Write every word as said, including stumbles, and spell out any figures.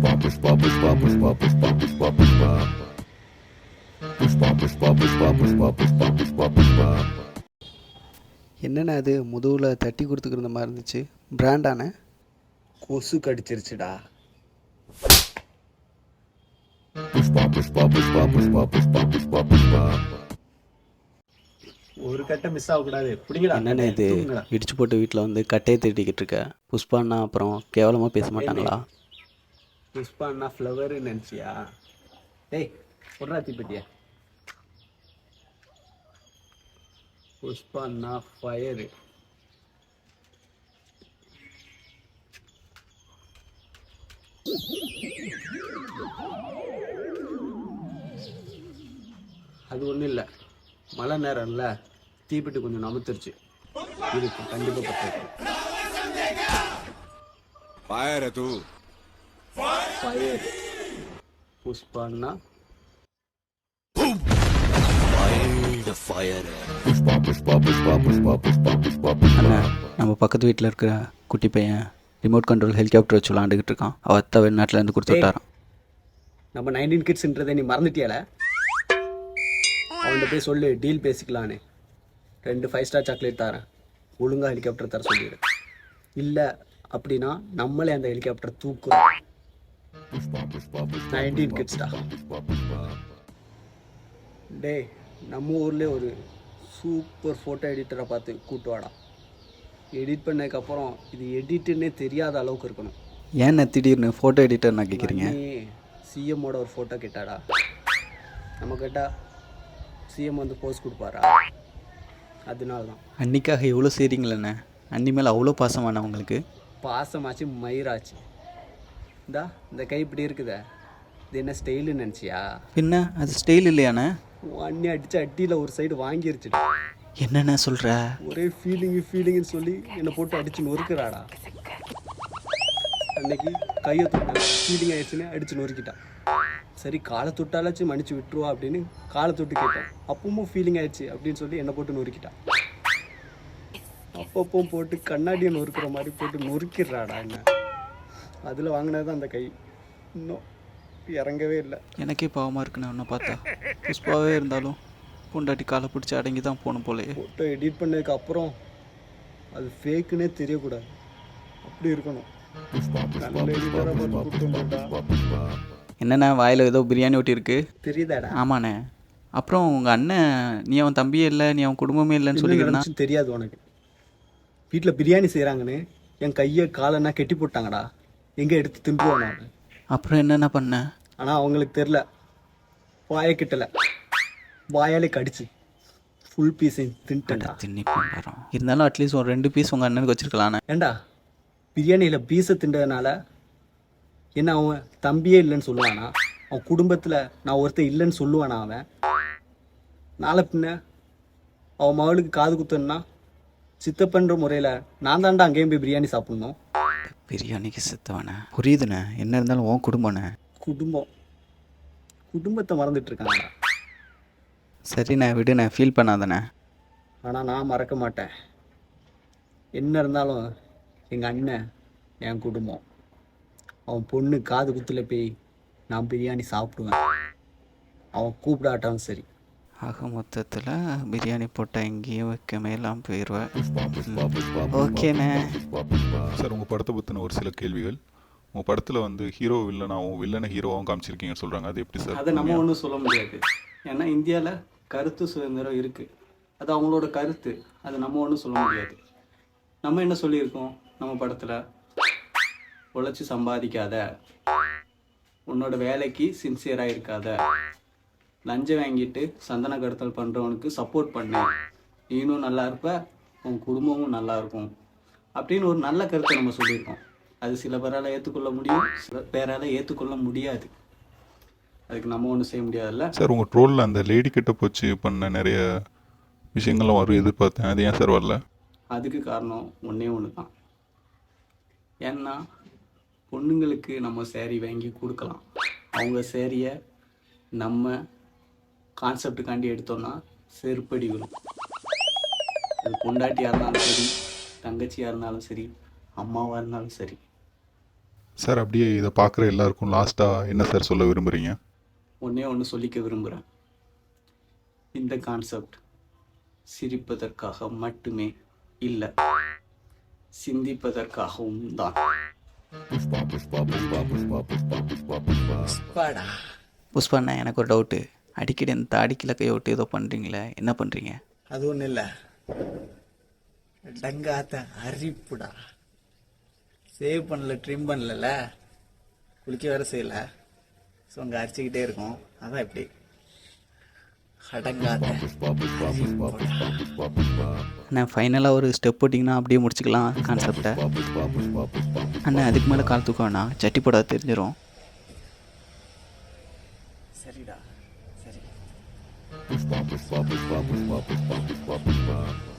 Pushpa, pushpa, pushpa, pushpa, pushpa, pushpa, pushpa. Pushpa, pushpa, pushpa, pushpa, pushpa, pushpa, pushpa. என்னண்ணா அது முதுகில் தட்டி கொடுத்துக்கிற மாதிரி இருந்துச்சு, பிராண்டானே? கொசு கடிச்சிருச்சுடா. Pushpa, pushpa, pushpa, pushpa, pushpa, pushpa, pushpa. ஒரு கட்டை மிஸ் ஆகக்கூடாது. பிடிங்கடா. என்னண்ணே இது இடிச்சு போட்டு வீட்டில் வந்து கட்டையை தேடிக்கிட்டு இருக்க? புஷ்பாண்ணா அப்புறம் கேவலமாக பேச மாட்டாங்களா? புஷ்பான்னா ஃப்ளவரு நினச்சியா? டேய் சொல்றா தீப்பெட்டியா. புஷ்பான்னா ஃபயரு. அது ஒன்றும் இல்லை, மழை நேரம்ல தீப்பெட்டி கொஞ்சம் நமுத்துருச்சு. இருக்கு கண்டிப்பாக பத்து. फायर है तू ஃபயர். புஷ்பான்னா Pushpa, pushpa, pushpa, pushpa, pushpa, pushpa, pushpa. அண்ணா, நம்ம பக்கத்து வீட்டில் இருக்கிற குட்டி பையன் ரிமோட் கண்ட்ரோல் ஹெலிகாப்டர் வச்சு விளாண்டுக்கிட்டு இருக்கான். அவள் அத்தை வெளிநாட்டிலேருந்து கொடுத்து விட்டாரான். நம்ம நைன்டீன் கிட்ஸ்ன்றதை நீ மறந்துட்டியால? அவன்கிட்ட போய் சொல்லு, டீல் பேசிக்கலான்னு. ரெண்டு ஃபைவ் ஸ்டார் சாக்லேட் தரேன், ஒழுங்காக ஹெலிகாப்டர் தர சொல்லிடு. இல்லை அப்படின்னா நம்மளே அந்த ஹெலிகாப்டர் தூக்குறோம். நைன்டீன் கிட்ஸ்டா. டே, நம்ம ஊர்லேயே ஒரு சூப்பர் ஃபோட்டோ எடிட்டரை பார்த்து கூட்டு வாடா. எடிட் பண்ணதுக்கப்புறம் இது எடிட்டுன்னே தெரியாத அளவுக்கு இருக்கணும். ஏன் திடீர்னு ஃபோட்டோ எடிட்டர் நான் கேட்குறீங்க? சிஎம்மோட ஒரு ஃபோட்டோ கேட்டாடா. நம்ம கேட்டால் சிஎம் வந்து போஸ்ட் கொடுப்பாரா? அதனால தான். அன்னிக்காக எவ்வளோ செய்கிறீங்களண்ணே? அன்னி மேலே அவ்வளோ பாசமான உங்களுக்கு? பாசமாச்சு மயிராச்சு. இந்தா இந்த கை இப்படி இருக்குதே, இது என்ன ஸ்டைலுன்னு நினச்சியா? பின்ன அது ஸ்டைல் இல்லையாண்ணே? அண்ணி அடிச்சு அட்டியில் ஒரு சைடு வாங்கிருச்சுடா. என்னென்ன சொல்கிற? ஒரே ஃபீலிங்கு ஃபீலிங்குன்னு சொல்லி என்னை போட்டு அடிச்சு நொறுக்குறாடா. அன்னைக்கு கையை தொட்ட ஃபீலிங் ஆயிடுச்சுன்னு அடிச்சு நொறுக்கிட்டான். சரி காலை தொட்டாலாச்சும் மன்னிச்சு விட்டுருவா அப்படின்னு காலை தொட்டு கேட்டேன். அப்பவும் ஃபீலிங் ஆயிடுச்சு அப்படின்னு சொல்லி என்னை போட்டு நொறுக்கிட்டான். அப்பப்பவும் போட்டு கண்ணாடியை நொறுக்கிற மாதிரி போட்டு நொறுக்கிடுறாடா என்ன. அதில் வாங்கினது தான் அந்த கை. இன்னும் இறங்கவே இல்லை. எனக்கே பாவமாக இருக்குண்ணே ஒன்றை பார்த்தா. புஷ்பாவே இருந்தாலும் பொண்டாட்டி காலை பிடிச்சி அடங்கி தான் போகணும் போலையே. ஃபோட்டோ எடிட் பண்ணதுக்கு அப்புறம் அது ஃபேக்குன்னே தெரியக்கூடாது, அப்படி இருக்கணும். என்னண்ணா வாயில் ஏதோ பிரியாணி ஒட்டி இருக்கு தெரியுதாடா? ஆமாண்ணே. அப்புறம் உங்கள் அண்ணன் நீ அவன் தம்பியே இல்லை, நீ அவன் குடும்பமே இல்லைன்னு சொல்லிக்கிறேன். தெரியாது உனக்கு? வீட்டில் பிரியாணி செய்கிறாங்கன்னு என் கையை காலன்னா கெட்டி போட்டாங்கடா. எங்கே எடுத்து தின்றுவான் நான். அப்புறம் என்னென்ன பண்ண? ஆனால் அவங்களுக்கு தெரில, வாயை கிட்டலை, வாயாலே கடிச்சு ஃபுல் பீஸை தின்ட்டா. தின்னி பண்ணுறோம். இருந்தாலும் அட்லீஸ்ட் ஒரு ரெண்டு பீஸ் உங்கள் அண்ணனுக்கு வச்சுருக்கலாண்ணே. ஏண்டா பிரியாணியில் பீஸை தின்றதுனால என்ன அவன் தம்பியே இல்லைன்னு சொல்லுவானா? அவன் குடும்பத்தில் நான் ஒருத்தர் இல்லைன்னு சொல்லுவானா அவன்? நாளை பின்ன அவன் மகளுக்கு காது குத்துன்னா சித்தப்பன்ற முறையில் நான் தாண்டா அங்கேயும் போய் பிரியாணி சாப்பிட்ணும். பிரியாணிக்கு சித்தவனே புரியுதுண்ணே. என்ன இருந்தாலும் உன் குடும்பண்ணே. குடும்பம் குடும்பத்தை மறந்துட்டு இருக்காங்கடா. சரிண்ணே விடுண்ணே, ஃபீல் பண்ணாதண்ணே. ஆனால் நான் மறக்க மாட்டேன். என்ன இருந்தாலும் எங்கள் அண்ணன் என் குடும்பம். அவன் பொண்ணு காது குத்துல போய் நான் பிரியாணி சாப்பிடுவேன், அவன் கூப்பிடாட்டாலும் சரி. ஆக மொத்தத்தில் பிரியாணி போட்டால் எங்கேயும் வைக்க மேலாம் போயிடுவேன். ஓகேண்ணே. சார், உங்கள் படத்தை பற்றின ஒரு சில கேள்விகள். உங்கள் படத்தில் வந்து ஹீரோ வில்லனாகவும் வில்லனை ஹீரோவாகவும் காமிச்சிருக்கீங்கன்னு சொல்கிறாங்க, அது எப்படி சார்? அதை நம்ம ஒன்றும் சொல்ல முடியாது. ஏன்னா இந்தியாவில் கருத்து சுதந்திரம் இருக்குது, அது அவங்களோட கருத்து, அது நம்ம ஒன்றும் சொல்ல முடியாது. நம்ம என்ன சொல்லியிருக்கோம் நம்ம படத்தில்? உழைச்சி சம்பாதிக்காத, உன்னோட வேலைக்கு சின்சியராக இருக்காத, லஞ்சம் வாங்கிட்டு சந்தன கடத்தல் பண்ணுறவனுக்கு சப்போர்ட் பண்ணு, நீனும் நல்லா இருப்ப, உன் குடும்பமும் நல்லா இருக்கும் அப்படின்னு ஒரு நல்ல கருத்தை நம்ம சொல்லியிருக்கோம். அது சில பேரால் ஏற்றுக்கொள்ள முடியும், சில பேரால் ஏற்றுக்கொள்ள முடியாது. அதுக்கு நம்ம ஒன்றும் செய்ய முடியாதுல்ல சார். உங்கள் ட்ரோலில் அந்த லேடி கிட்ட போச்சு பண்ண நிறைய விஷயங்கள்லாம் வரும் எதிர்பார்த்தேன், அது ஏன் சார் வரல? அதுக்கு காரணம் ஒன்றே ஒன்று தான். ஏன்னா பொண்ணுங்களுக்கு நம்ம சேரீ வாங்கி கொடுக்கலாம், அவங்க சேரீயை நம்ம கான்செப்டுக்காண்டி எடுத்தோன்னா செருப்படி விடும். அது பொண்டாட்டியாக இருந்தாலும் சரி, தங்கச்சியாக இருந்தாலும் சரி, அம்மாவாக இருந்தாலும் சரி. சார் அப்படியே இதை பார்க்குற எல்லாருக்கும் லாஸ்ட்டாக என்ன சார் சொல்ல விரும்புகிறீங்க? ஒன்றே ஒன்று சொல்லிக்க விரும்புகிறேன். இந்த கான்செப்ட் சிரிப்பதற்காக மட்டுமே இல்லை, சிந்திப்பதற்காகவும் தான். Pushpa, pushpa, pushpa, pushpa, pushpa, pushpa, pushpa. பாடா புஷ்பாண்ணா, எனக்கு ஒரு டவுட்டு. அடிக்கடி இந்த தாடிக்கில் கையை விட்டு ஏதோ பண்ணுறீங்களே, என்ன பண்ணுறீங்க? அது ஒன்றும் இல்லை, டங்காத்த அரிப்புடா. சேவ் பண்ணல, ட்ரிம் பண்ணல, குளிக்க வேற செய்யல, ஸோ அங்கே அரிச்சிக்கிட்டே இருக்கும். அதான் இப்படி அடங்காத அரிப்புடா. அண்ணா ஃபைனலாக ஒரு ஸ்டெப் போட்டிங்கன்னா அப்படியே முடிச்சுக்கலாம் கான்செப்டை. அண்ணா அதுக்கு மேலே கால் தூக்க வேணாம், சட்டி போட தெரிஞ்சிடும். சரிடா, சரி. Pushpa, pushpa, pushpa, pushpa, pushpa, pushpa, pushpa.